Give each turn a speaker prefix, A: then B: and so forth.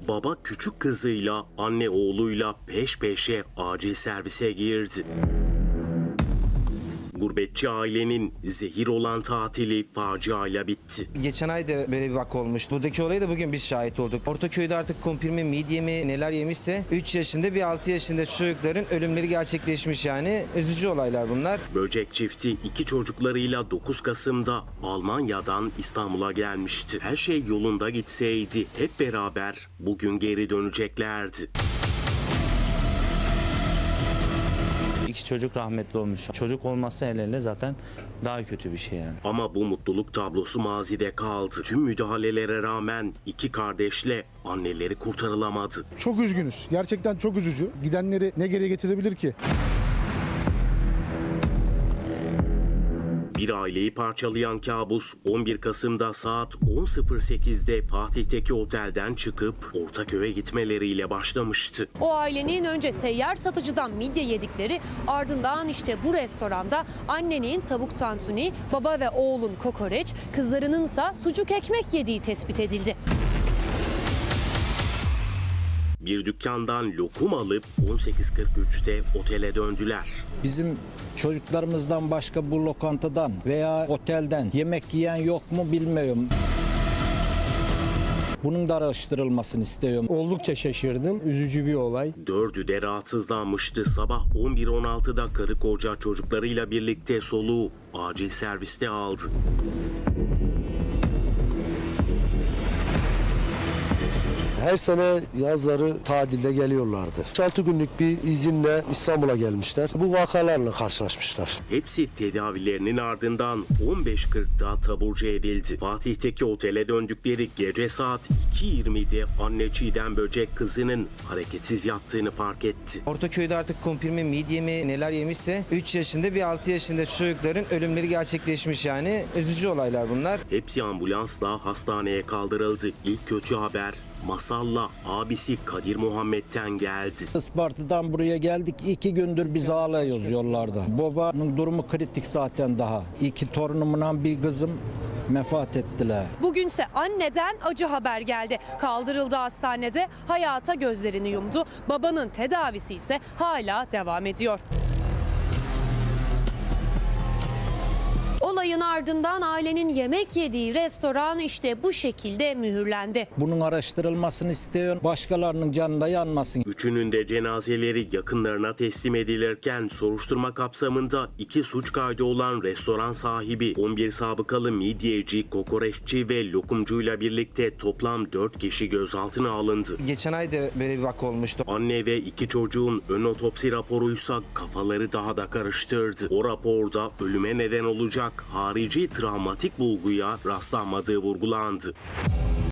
A: Baba küçük kızıyla, anne oğluyla peş peşe acil servise girdi. Gurbetçi ailenin zehir olan tatili faciayla bitti.
B: Geçen ay da böyle bir vaka olmuştu. Buradaki olaya da bugün biz şahit olduk. Ortaköy'de artık kumpir mi, midye mi neler yemişse 3 yaşında bir 6 yaşında çocukların ölümleri gerçekleşmiş yani. Üzücü olaylar bunlar.
A: Böcek çifti 2 çocuklarıyla 9 Kasım'da Almanya'dan İstanbul'a gelmişti. Her şey yolunda gitseydi hep beraber bugün geri döneceklerdi.
C: 2 çocuk rahmetli olmuş. Çocuk olması hele zaten daha kötü bir şey yani.
A: Ama bu mutluluk tablosu mazide kaldı. Tüm müdahalelere rağmen 2 kardeşle anneleri kurtarılamadı.
D: Çok üzgünüz. Gerçekten çok üzücü. Gidenleri ne geri getirebilir ki?
A: Bir aileyi parçalayan kabus 11 Kasım'da saat 10.08'de Fatih'teki otelden çıkıp Ortaköy'e gitmeleriyle başlamıştı.
E: O ailenin önce seyyar satıcıdan midye yedikleri, ardından işte bu restoranda annenin tavuk tantuni, baba ve oğlun kokoreç, kızlarınınsa sucuk ekmek yediği tespit edildi.
A: Bir dükkandan lokum alıp 18.43'te otele döndüler.
F: Bizim çocuklarımızdan başka bu lokantadan veya otelden yemek yiyen yok mu bilmiyorum. Bunun da araştırılmasını istiyorum.
G: Oldukça şaşırdım. Üzücü bir olay.
A: 4'ü de rahatsızlanmıştı. Sabah 11.16'da karı koca çocuklarıyla birlikte soluğu acil serviste aldı.
H: Her sene yazları tatilde geliyorlardı. 6 günlük bir izinle İstanbul'a gelmişler. Bu vakalarla karşılaşmışlar.
A: Hepsi tedavilerinin ardından 15.40'da taburcu edildi. Fatih'teki otele döndükleri gece saat 2.20'de anne Çiğdem Böcek kızının hareketsiz yattığını fark etti.
B: Ortaköy'de artık kumpir mi, midye mi neler yemişse 3 yaşında bir 6 yaşında çocukların ölümleri gerçekleşmiş yani. Üzücü olaylar bunlar.
A: Hepsi ambulansla hastaneye kaldırıldı. İlk kötü haber Masal'la abisi Kadir Muhammed'ten geldi.
F: Isparta'dan buraya geldik. 2 gündür biz ağlıyoruz yollarda. Babanın durumu kritik zaten daha. 2 torunumla bir kızım vefat ettiler.
E: Bugünse anneden acı haber geldi. Kaldırıldı hastanede, hayata gözlerini yumdu. Babanın tedavisi ise hala devam ediyor. Olayın ardından ailenin yemek yediği restoran işte bu şekilde mühürlendi.
F: Bunun araştırılmasını istiyorum. Başkalarının canında yanmasın.
A: Üçünün de cenazeleri yakınlarına teslim edilirken soruşturma kapsamında 2 suç kaydı olan restoran sahibi, 11 sabıkalı midyeci, kokoreççi ve lokumcuyla birlikte toplam 4 kişi gözaltına alındı.
B: Geçen ay da böyle bir vaka olmuştu.
A: Anne ve 2 çocuğun ön otopsi raporuysa kafaları daha da karıştırdı. O raporda ölüme neden olacak harici travmatik bulguya rastlanmadığı vurgulandı.